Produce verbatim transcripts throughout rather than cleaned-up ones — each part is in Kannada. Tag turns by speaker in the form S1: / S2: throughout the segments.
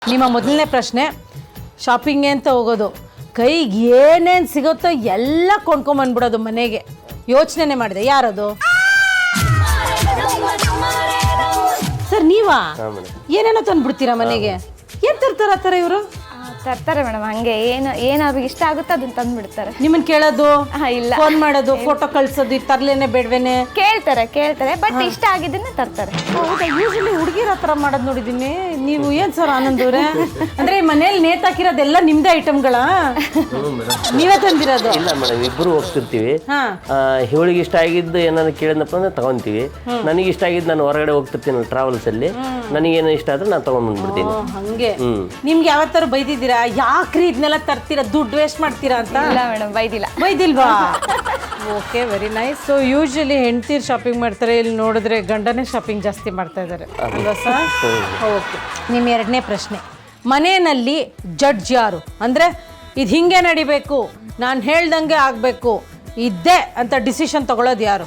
S1: ನಿಮ್ಮ ಮೊದಲನೇ ಪ್ರಶ್ನೆ, ಶಾಪಿಂಗ್ ಅಂತ ಹೋಗೋದು, ಕೈಗೆ ಏನೇನು ಸಿಗುತ್ತೋ ಎಲ್ಲ ಕೊಂಡ್ಕೊಂಬಂದ್ಬಿಡೋದು ಮನೆಗೆ. ಯೋಚನೆ ಮಾಡಿದೆ, ಯಾರದು ಸರ್? ನೀವಾ? ಏನೇನೋ ತಂದ್ಬಿಡ್ತೀರಾ ಮನೆಗೆ? ಏನ್ ತರ್ತಾರ ಆ ಥರ ಇವರು?
S2: ತರ್ತಾರೆ ಮೇಡಮ್, ಹಂಗೆ ಏನು ಏನು ಅವ್ರಿಗೆ ಇಷ್ಟ ಆಗುತ್ತೋ ಅದನ್ನ ತಂದ್ಬಿಡ್ತಾರೆ.
S1: ನಿಮ್ಮನ್ನ ಕೇಳೋದು
S2: ಇಲ್ಲ,
S1: ಫೋನ್ ಮಾಡೋದು, ಫೋಟೋ ಕಳ್ಸೋದು, ತರ್ಲೇನೆ ಬೇಡವೇನೆ?
S2: ಕೇಳ್ತಾರೆ ಕೇಳ್ತಾರೆ ಬಟ್ ಇಷ್ಟ ಆಗಿದ್ದನ್ನ ತರ್ತಾರೆ.
S1: ಹೌದಾ? ಯೂಶಲಿ ಹುಡುಗಿರ ಹತ್ರ ಮಾಡೋದು ನೋಡಿದೀನಿ. ನೀವು ಏನ್ ಸರ್ ಆನಂದ್ ಅವ್ರೆ, ಅಂದ್ರೆ ಮನೇಲಿ ನೇತಾಕಿರೋದೆಲ್ಲ ನಿಮ್ದೇ ಐಟಮ್ಗಳ? ನೀವೇ ತಂದಿರೋದು?
S3: ಇಲ್ಲ ಮೇಡಮ್, ಇಬ್ಬರು ಹೋಗ್ತಿರ್ತೀವಿ.
S1: ಹಾ,
S3: ಇವಳಿಗೆ ಇಷ್ಟ ಆಗಿದ್ದು ಏನಾದ್ರು ಕೇಳಿದ್ನಪ್ಪ ಅಂದ್ರೆ ತಗೊಂತೀವಿ. ನನಗೆ ಇಷ್ಟ ಆಗಿದ್ದು ನಾನು ಹೊರಗಡೆ ಹೋಗ್ತಿರ್ತೀನಿ ಟ್ರಾವೆಲ್ಸ್ ಅಲ್ಲಿ, ನನಗೇನು ಇಷ್ಟ ಆದ್ರೆ ನಾನು ತಗೊಂಡ್ಬಂದ್ಬಿಡ್ತೀನಿ.
S1: ಹಂಗೆ. ನಿಮ್ಗೆ ಯಾವತ್ತಾರು ಬೈದಿದ್ದೀರಾ ಯಾಕ್ರಿ ಇದನ್ನೆಲ್ಲ ತರ್ತೀರಾ, ದುಡ್ಡು ವೇಸ್ಟ್ ಮಾಡ್ತೀರಾ ಅಂತ?
S2: ಇಲ್ಲ ಮೇಡಮ್, ಬೈದಿಲ್ಲ.
S1: ಬೈದಿಲ್ವಾ? Okay, very nice. So usually ಹೆಂಡ್ತೀರು ಶಾಪಿಂಗ್ ಮಾಡ್ತಾರೆ, ಇಲ್ಲಿ ನೋಡಿದ್ರೆ ಗಂಡನೇ ಶಾಪಿಂಗ್ ಜಾಸ್ತಿ ಮಾಡ್ತಾ ಇದ್ದಾರೆ ಅಲ್ವಾ ಸರ್? ಓಕೆ, ನಿಮ್ಮ ಎರಡನೇ ಪ್ರಶ್ನೆ, ಮನೆಯಲ್ಲಿ ಜಡ್ಜ್ ಯಾರು? ಅಂದರೆ ಇದು ಹಿಂಗೆ ನಡಿಬೇಕು, ನಾನು ಹೇಳ್ದಂಗೆ ಆಗಬೇಕು, ಇದ್ದೇ ಅಂತ ಡಿಸಿಷನ್ ತಗೊಳ್ಳೋದು ಯಾರು?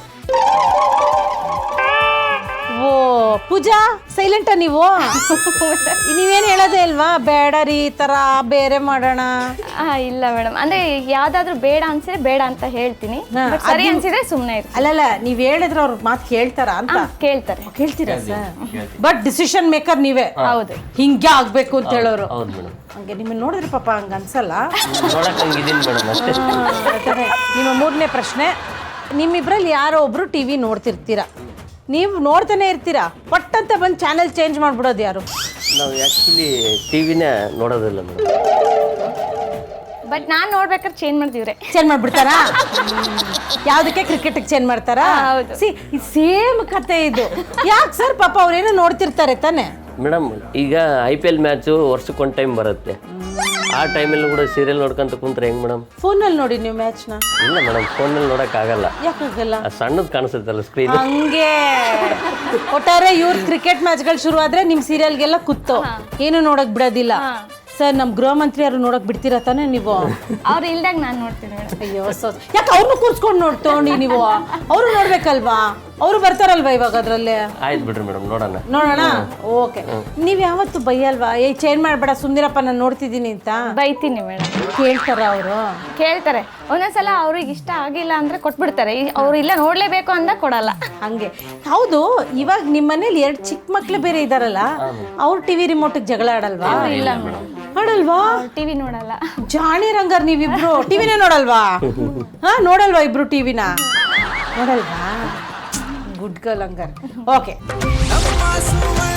S1: ಓ ಪೂಜಾ, ಸೈಲೆಂಟಾ ನೀವು? ನೀವೇನು ಹೇಳೋದೇ ಇಲ್ವಾ, ಬೇಡ ರೀ ಈ ಥರ ಬೇರೆ ಮಾಡೋಣ?
S2: ಇಲ್ಲ ಮೇಡಮ್, ಅಂದ್ರೆ ಯಾವ್ದಾದ್ರು ಬೇಡ ಅನ್ಸಿದ್ರೆ ಬೇಡ ಅಂತ ಹೇಳ್ತೀನಿ, but ಸರಿ ಅನ್ಸಿದ್ರೆ ಸುಮ್ಮನೆ ಇರ್ತೀನಿ.
S1: ಅಲ್ಲಲ್ಲ, ನೀವ್ ಹೇಳಿದ್ರೆ ಅವ್ರ ಮಾತು ಕೇಳ್ತಾರ ಅಂತ?
S2: ಕೇಳ್ತಾರೆ.
S1: ಕೇಳ್ತೀರಾ ಸರ್? ಬಟ್ ಡಿಸಿಷನ್ ಮೇಕರ್ ನೀವೇ?
S2: ಹೌದು.
S1: ಹಿಂಗೆ ಆಗ್ಬೇಕು ಅಂತ ಹೇಳೋರು?
S3: ಹೌದು ಮೇಡಮ್.
S1: ಹಂಗೆ ನಿಮ್ಮನ್ನ ನೋಡಿದ್ರೆ ಪಾಪ ಹಂಗ ಅನ್ಸಲ್ಲ?
S3: ನೋಡಕ್ ಹಂಗಿದ್ದೀನಿ ಮೇಡಮ್ ಅಷ್ಟೇ.
S1: ನಿಮ್ಮ ಮೂರನೇ ಪ್ರಶ್ನೆ, ನಿಮ್ಮಿಬ್ರಲ್ಲಿ ಯಾರೋ ಒಬ್ರು ಟಿವಿ ನೋಡ್ತಿರ್ತೀರಾ, ನೀವು ನೋಡ್ತಾನೆ ಇರ್ತೀರಾ, ಪಟ್ಟಂತ ಬಂದು ಚಾನೆಲ್ ಚೇಂಜ್ ಮಾಡ್ಬಿಡೋದು ಯಾರು?
S3: ನಾವು ಆ್ಯಕ್ಚುಲಿ ಟಿ ವಿನೇ ನೋಡೋದಿಲ್ಲ ಮೇಡಮ್.
S2: ಬಟ್ ನಾನ್ ನೋಡ್ಬೇಕಾದ್ರೆ ಚೇಂಜ್ ಮಾಡ್ತೀವ್ರೆ.
S1: ಚೇಂಜ್ ಮಾಡ್ಬಿಡ್ತಾರಾ? ಯಾವ್ದಕ್ಕೆ? ಕ್ರಿಕೆಟಿಗೆ ಚೇಂಜ್ ಮಾಡ್ತಾರಾ? ಸಿ ಸೇಮ್ ಕತೆ ಇದು. ಯಾಕೆ ಸರ್? ಪಾಪ ಅವ್ರೇನೋ ನೋಡ್ತಿರ್ತಾರೆ ತಾನೆ
S3: ಮೇಡಮ್. ಈಗ ಐ ಪಿ ಎಲ್ ಮ್ಯಾಚು ವರ್ಷಕ್ಕೊಂದು ಟೈಮ್ ಬರುತ್ತೆ, ಆ ಟೈಮಲ್ಲಿ ಕೂಡ ಸೀರಿಯಲ್ ನೋಡ್ಕೊಂತ ಕುಂತ್ರೆ ಹೆಂಗ್ ಮೇಡಮ್?
S1: ಫೋನಲ್ಲಿ ನೋಡಿ ನೀವು ಮ್ಯಾಚ್ನ?
S3: ಇಲ್ಲ ಮೇಡಮ್, ಫೋನಲ್ಲಿ ನೋಡೋಕ್ಕಾಗಲ್ಲ.
S1: ಯಾಕಾಗಲ್ಲ?
S3: ಸಣ್ಣದು ಕಾಣಿಸುತ್ತಲ್ಲ ಸ್ಕ್ರೀನ್.
S1: ಹಂಗೆ ಒಟ್ಟಾರೆ ಇವ್ರ ಕ್ರಿಕೆಟ್ ಮ್ಯಾಚ್ಗಳು ಶುರು ಆದ್ರೆ ನಿಮ್ ಸೀರಿಯಲ್ಗೆಲ್ಲ ಕುತ್ತೋ ಏನು ನೋಡಕ್ ಬಿಡೋದಿಲ್ಲ. ಸರ್, ನಮ್ ಗೃಹ ಮಂತ್ರಿ ಯಾರು ನೋಡಕ್ ಬಿಡ್ತೀರಾ ತಾನೆ ನೀವು?
S2: ಅವ್ರು ಇಲ್ದಾಗ ನಾನು ನೋಡ್ತೀನಿ ಮೇಡಮ್.
S1: ಅಯ್ಯೋ ಸೊ ಯಾಕೆ ಅವ್ರನ್ನೂ ಕೂರ್ಸ್ಕೊಂಡು ನೋಡ್ತೋಣಿ ನೀವು? ಅವರು ನೋಡ್ಬೇಕಲ್ವಾ? ಅವರು ಬರ್ತಾರಲ್ವಾ ಇವಾಗ ಅದ್ರಲ್ಲಿ?
S3: ಆಯ್ತು ಬಿಡ್ರಿ ಮೇಡಮ್, ನೋಡೋಣ
S1: ನೋಡೋಣ. ಓಕೆ, ನೀವ್ ಯಾವತ್ತು ಬೈಯಲ್ವಾ, ಏ ಚೇಂಜ್ ಮಾಡ್ಬೇಡ ಸುಮ್ನಿರಪ್ಪ ನಾನು ನೋಡ್ತಿದ್ದೀನಿ ಅಂತ?
S2: ಬೈತೀನಿ ಮೇಡಮ್.
S1: ಕೇಳ್ತಾರ ಅವರು?
S2: ಕೇಳ್ತಾರೆ. ಒಂದೊಂದ್ಸಲ ಅವ್ರಿಗೆ ಇಷ್ಟ ಆಗಿಲ್ಲ ಅಂದ್ರೆ ಕೊಟ್ಬಿಡ್ತಾರೆ, ಅವ್ರು ಇಲ್ಲ ನೋಡ್ಲೇಬೇಕು ಅಂದಾಗ ಕೊಡಲ್ಲ.
S1: ಹಂಗೆ. ಹೌದು, ಇವಾಗ ನಿಮ್ಮ ಮನೇಲಿ ಎರಡು ಚಿಕ್ಕ ಮಕ್ಳು ಬೇರೆ ಇದಾರಲ್ಲ, ಅವ್ರು ಟಿವಿ ರಿಮೋಟಿಗೆ ಜಗಳ ಆಡಲ್ವಾ?
S2: ಇಲ್ಲ ಮೇಡಮ್,
S1: ಆಡಲ್ವಾ?
S2: ಟಿವಿ ನೋಡಲ್ಲ.
S1: ಜಾಣಿ ರಂಗರ್ ನೀವಿಬ್ರು ಟಿವಿನೇ ನೋಡಲ್ವಾ? ಹಾ, ನೋಡಲ್ವಾ ಇಬ್ರು ಟಿವಿನ? ನೋಡಲ್ವಾ? ಗುಡ್ ಗರ್ಲ್ ಹಂಗಾರ್. ಓಕೆ.